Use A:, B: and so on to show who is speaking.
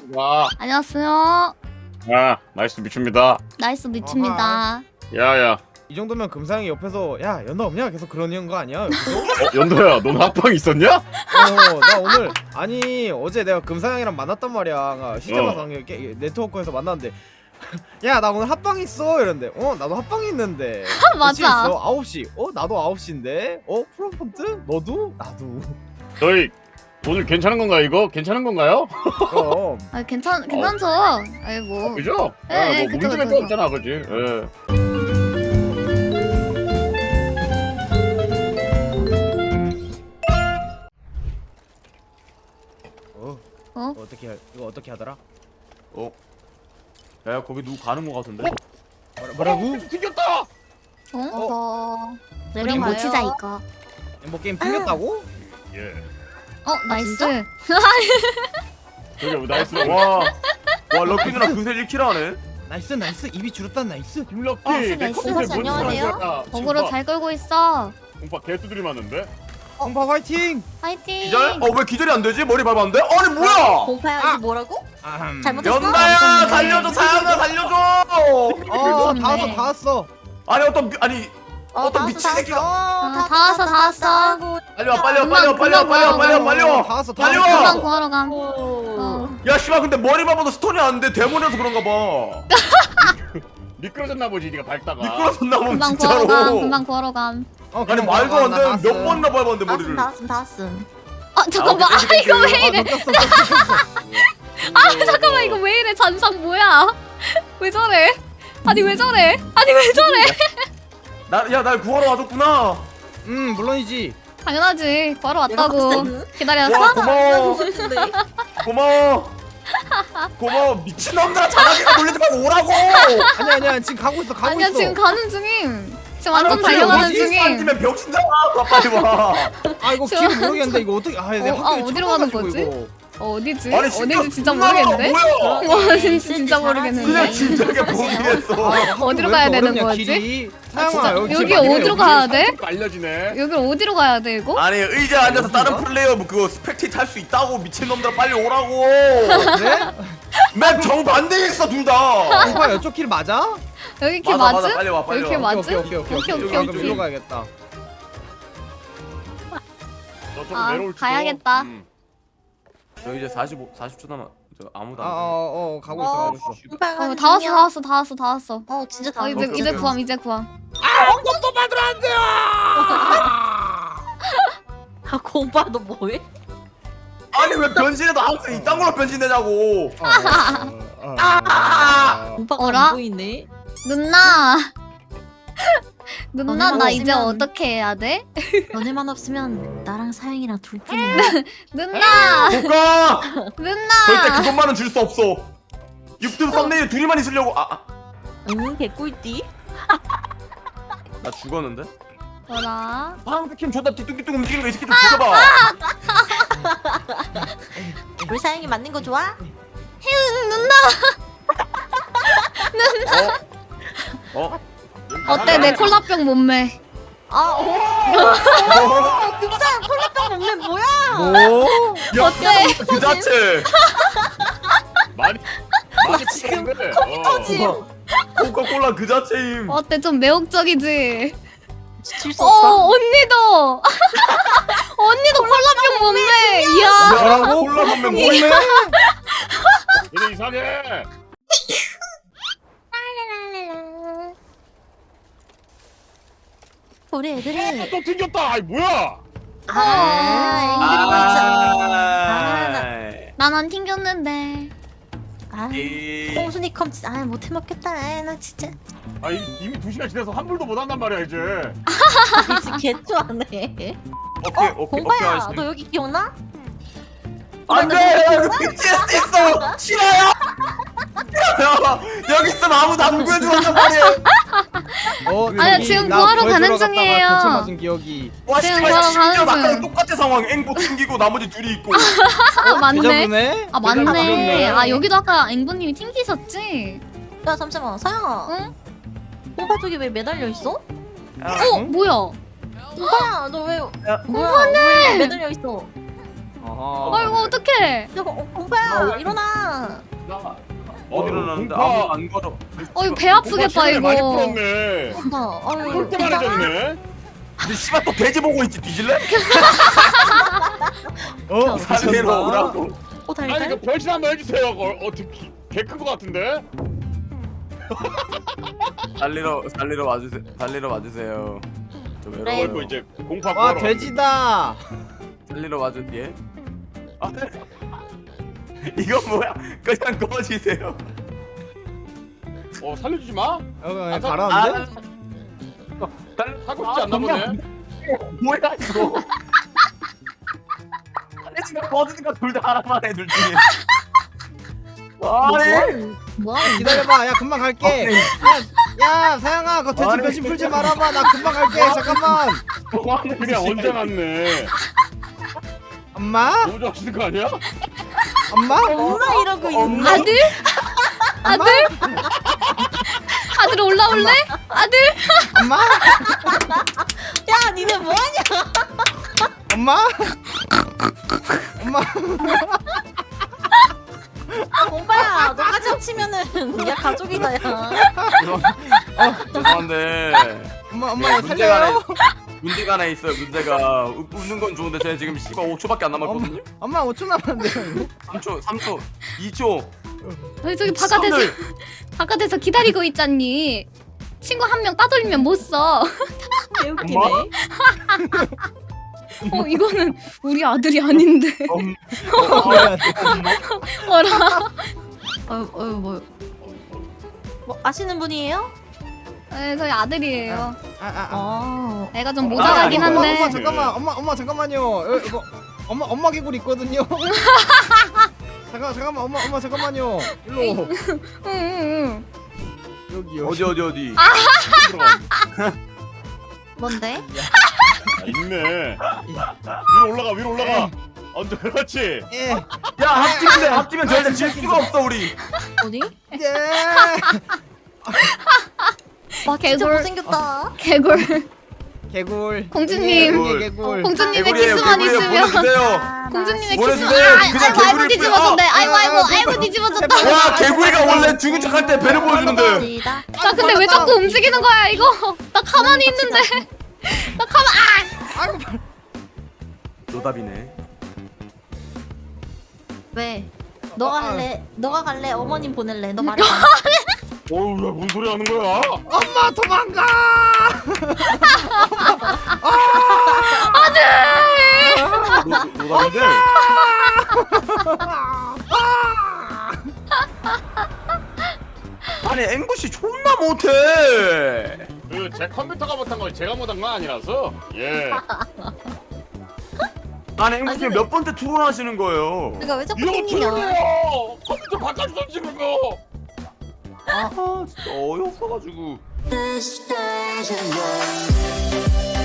A: 와.
B: 안녕하세요.
A: 야, 나이스 미춥니다.
B: 나이스 미칩니다.
A: 야야.
C: 이 정도면 금상이 옆에서 야 연나 없냐 계속 그러는 거 아니야? 여기서?
A: 연도야, 넌 합방 있었냐?
C: 나 오늘 아니 어제 내가 금상이랑 만났단 말이야. 시청자 네트워크에서 만났는데 야 나 오늘 합방 있어 이런데 나도 합방 있는데
B: 맞아.
C: 9시 나도 9시인데 프롬펀트 너도 나도
A: 저희 오늘 괜찮은 건가요 이거? 괜찮은 건가요?
C: 그럼
B: 아, 괜찮죠. 아이고.
A: 그죠?
B: 네,
A: 뭐
B: 그쵸,
A: 문제가
B: 그쵸.
A: 없잖아, 그지? 예.
C: 이거 어떻게 하더라?
D: 야 거기 누구 가는 거 같은데?
C: 뭐라고?
A: 튕겼다.
B: 우리 못 치자 이거.
C: 뭐 게임 튕겼다고?
A: 예.
B: 나이스.
A: 저기 나이스.
D: 와 럭키 누나 그새 1킬 하네.
C: 나이스 입이 줄었다 나이스.
A: 김럭키.
B: 나이스,
A: 내
B: 나이스.
A: 컨셉 뭔지
B: 안녕하세요.
A: 알아?
B: 어그로 잘 끌고 있어.
A: 공파 개두드리 맞는데?
C: 공파 화이팅!
B: 파이팅.
D: 기절? 왜 기절이 안 되지? 머리 밟았는데? 아니 뭐야?
E: 공파야 이거 뭐라고? 잘못했어?
D: 연나야
B: 깜짝이야.
D: 살려줘 사양아 살려줘.
C: 다 왔어.
D: 아니 어떤 미친
E: 다
D: 새끼가.
E: 왔어.
B: 다 왔어.
D: 빨리 와 빨리 와.
C: 다 왔어.
D: 빨리
B: 금방
D: 와.
B: 구하러 감.
D: 야 씨발 근데 머리 밟아도 스톤이 안 돼. 데몬이라서 그런가 봐.
A: 미끄러졌나 보지, 네가 밟다가.
D: 미끄러졌나 보면
B: 금방 구하러 감.
D: 진짜로.
B: 금방 구하러 감.
D: 아니 말도 안 돼. 몇 번이나 밟았는데 머리를.
E: 다 왔음.
B: 잠깐만. 이거 왜 이래? 잠깐만 이거 왜 이래? 잔상 뭐야? 왜 저래? 아니 왜 저래?
D: 날 구하러 와줬구나.
C: 물론이지.
B: 당연하지. 구하러 왔다고.
E: 내가
B: 기다렸어?
D: 와 고마워 미친놈들아 자기가 놀리지 말고 오라고.
C: 아니야 지금 가고 있어.
B: 아니야 지금 가는 중임. 지금 완전
D: 아,
B: 달려가는
D: 뭐지?
B: 중임.
D: 아니면 병신잖아. 빨리 와.
C: 이거 길을 모르겠는데 이거 어떻게 내가 학교에
B: 어디로
C: 처음
B: 가는
C: 가가지고
B: 거지?
C: 이거.
B: 어디지?
D: 아니,
B: 어디지 진짜
D: 존나
B: 모르겠는데?
D: 뭐야?
B: 와 진짜 모르겠는데.
D: 그냥 진작에 모르겠어.
B: 어디로
C: 왜
B: 가야
C: 이렇게
B: 되는
C: 어렵냐,
B: 거지?
C: 길이?
B: 진짜
C: 사양아
B: 여기
C: 길 맞네,
B: 어디로
C: 여기.
B: 가야 돼?
A: 알려지네.
B: 여기 어디로 가야 돼 이거?
D: 아니 의자에 앉아서 다른 플레이어 그거 스펙테이트 할 수 있다고 미친놈들아 빨리 오라고.
C: 그래?
D: 맵 정반대에 있어 둘 다.
C: 공파 이쪽 길 맞아?
B: 여기 길
D: 맞아,
B: 맞음?
D: 맞아, 빨리 와, 빨리
B: 여기 길
D: 와.
B: 맞음?
C: 오케이. 그럼 일로 가야겠다.
A: 너 좀
B: 아,
A: 내려올 줄.
B: 가야겠다.
D: 저 이제 40초 남아. 저 아무도 안
C: 가고 있어.
E: 공파가
B: 다 왔어.
E: 진짜 다
B: 이제
E: 왔어.
B: 구함.
C: 아무것도 만들어 안 돼요.
E: 공파 너 뭐해?
D: 아니 왜 변신해도 항상 이딴 걸로 변신되냐고.
E: 공파가
B: 어라?
E: 안 보이네.
B: 누나
E: 너네만
B: 나 이제
E: 없으면-
B: 어떻게 해야 돼?
E: 너네만 없으면 나랑 사영이랑 둘뿐이야.
B: 누나
D: 볼까? 절대
B: 누나
D: 그것만은 줄 수 없어. 유튜브 썸네일 둘이만 있으려고.
E: 응 개꿀띠.
D: 나 죽었는데?
B: 뭐라?
D: 방스캠 존나 뒤뚱뒤뚱 움직이는 거 이 새끼들 죽여봐.
E: 우리 사영이 맞는 거 좋아?
B: 어때 내 콜라병 몸매?
E: 금상 콜라병 먹는 뭐야?
C: 뭐?
B: 어때?
D: 그 자체.
A: 많이
E: 지금
A: 컸는데.
E: 터짐.
D: 코카콜라 그 자체임.
B: 어때 좀 매혹적이지?
E: 질수 없어.
B: 언니도 언니도 콜라병 몸매. 이야
C: 뭐라고?
D: 콜라 선배
C: 뭐래?
A: 얘네 이상해.
E: 우리 애들이
A: 또 튕겼다. 아이 뭐야?
E: 앵그리
B: 난 안 튕겼는데.
E: 버츠. 홍순이 컴치. 못해 먹겠다. 나 진짜
A: 이미 2시간 지나서 환불도 못 한단 말이야 이제.
E: 진짜 개좋아하네.
D: 오케이
E: 공파야,
D: 아저씨.
E: 너 여기 기억나?
D: 안돼 여기 BTS 있어. 싫어요. 야, 여기 있으면 아무도 안 구해주란 말이야.
B: 아니야, 지금 구하러 가는 중이에요.
C: 맞은 기억이.
D: 와
B: 지금
D: 씨발
B: 구하러 가는
D: 심지어
B: 중.
D: 나랑 똑같은 상황. 앵보 튕기고 나머지 둘이 있고.
B: 맞네.
C: 대자보네?
B: 맞네. 여기도 아까 앵보님이 튕기셨지?
E: 야 잠시만, 사영아.
B: 응?
E: 공파 쪽에 왜 매달려 있어?
B: 뭐야?
E: 공파야, 너 왜?
B: 공파네!
E: 왜 매달려 있어?
C: 아하.
B: 아이고 어떡해?
E: 공파야, 일어나.
D: 어디로 나는데
A: 공파.
D: 아무 안 걸어.
B: 이거 배 아프겠다
A: 체력이 많이
B: 이거.
A: 풀었네. 똘똘해졌네.
D: 근데 씨발 또 돼지 보고 있지 뒤질래? 살리러 오라고.
A: 아니
E: 달달?
A: 그 변신 한번 해주세요. 어떻게 개큰 거 같은데?
D: 살리러 와주세요. 살리러 와주세요. 저
E: 그래.
D: 외로워요.
A: 어이구 이제 공파
C: 와
A: 구하러
C: 돼지다.
D: 살리러 와주 예? 아, 네. 이거 뭐야? 그냥 꺼지세요.
A: 살려주지 마.
C: 그냥
A: 사-
C: 가라는데?
A: 사고 싶지 않나 보네.
D: 뭐야 이거? 아니 지금 꺼지니까 둘 다 하나만 해 둘 중에. 아니.
E: 뭐하는
C: 기다려봐. 야 금방 갈게. 야 사양아 그 돼지
D: 아니.
C: 변신 풀지 말아봐. 나 금방 갈게. 잠깐만.
A: 그냥 언제 났네.
C: 엄마?
A: 너무 좋아하시는 거 아니야?
C: 엄마?
E: 엄마 이러고 있는
B: 아들? 아들? 아들 올라올래? 아들?
C: 엄마?
E: 야 니네 뭐하냐
C: 엄마? 엄마?
E: 오빠야 너까지 합치면은 야 가족이다 야
D: 죄송한데
C: 엄마
D: 네,
C: 나 살려요?
D: 문제가 하나 있어요. 문제가 웃는 건 좋은데 제가 지금 씨발 5초밖에 안 남았거든요.
C: 엄마 5초 남았는데요.
D: 3초, 3초, 2초.
B: 저기 바깥에서 기다리고 있잖니. 친구 한 명 따돌리면 못 써.
E: 개웃기네
B: 이거는 우리 아들이 아닌데. 어라.
E: 뭐 아시는 분이에요?
B: 네, 저희 아들이에요. 애가 좀
A: 아,
B: 모자라긴
A: 아니,
B: 한데.
C: 엄마 잠깐만. 엄마 잠깐만요. 이거 엄마 개구리 있거든요. 잠깐만 엄마 잠깐만요. 일로
B: 응.
C: 여기
D: 어디?
E: 뭔데?
A: 있네. 위로 올라가. 언제 그렇지?
C: 예.
D: 야 합치면 절대 질 수가 없어 우리.
E: 어디?
C: 예.
E: 와 진짜
B: 개굴.
E: 못생겼다
B: 개굴.
C: 개굴.
B: 공주님.
C: 예, 개굴.
B: 공주님의
D: 개구리예요,
B: 키스만
D: 개구리예요.
B: 있으면.
D: 보내주세요.
B: 공주님의
D: 보내주세요.
B: 키스만.
D: 그냥
B: 아이고
D: 개구리
B: 뒤집어졌네.
C: 뿌려.
B: 아이고 뒤집어졌다.
D: 와 개구리가 원래 죽은 척할 때 배를 보여주는데.
E: 시다.
B: 나 근데 왜 자꾸 움직이는 거야 이거? 나 가만히 있는데. 나
C: 아이고
D: 노답이네.
E: 왜? 너가 할래? 너가 갈래? 어머님 보낼래? 너 말해봐
A: 어우 야뭔 소리 하는 거야?
C: 엄마 도망가.
A: 노답인데.
D: 아니 앵구씨 존나 못해.
A: 제 컴퓨터가 못한 걸 제가 못한 건 아니라서. 예.
D: 아니 앵구씨 몇 번째 투혼하시는 거예요.
E: 그러니까 왜 자꾸
A: 이거
E: 튕기냐
A: 틀려요. 컴퓨터 바깥에 던지는 거.
D: 아 진짜 어이없어가지고.
F: This station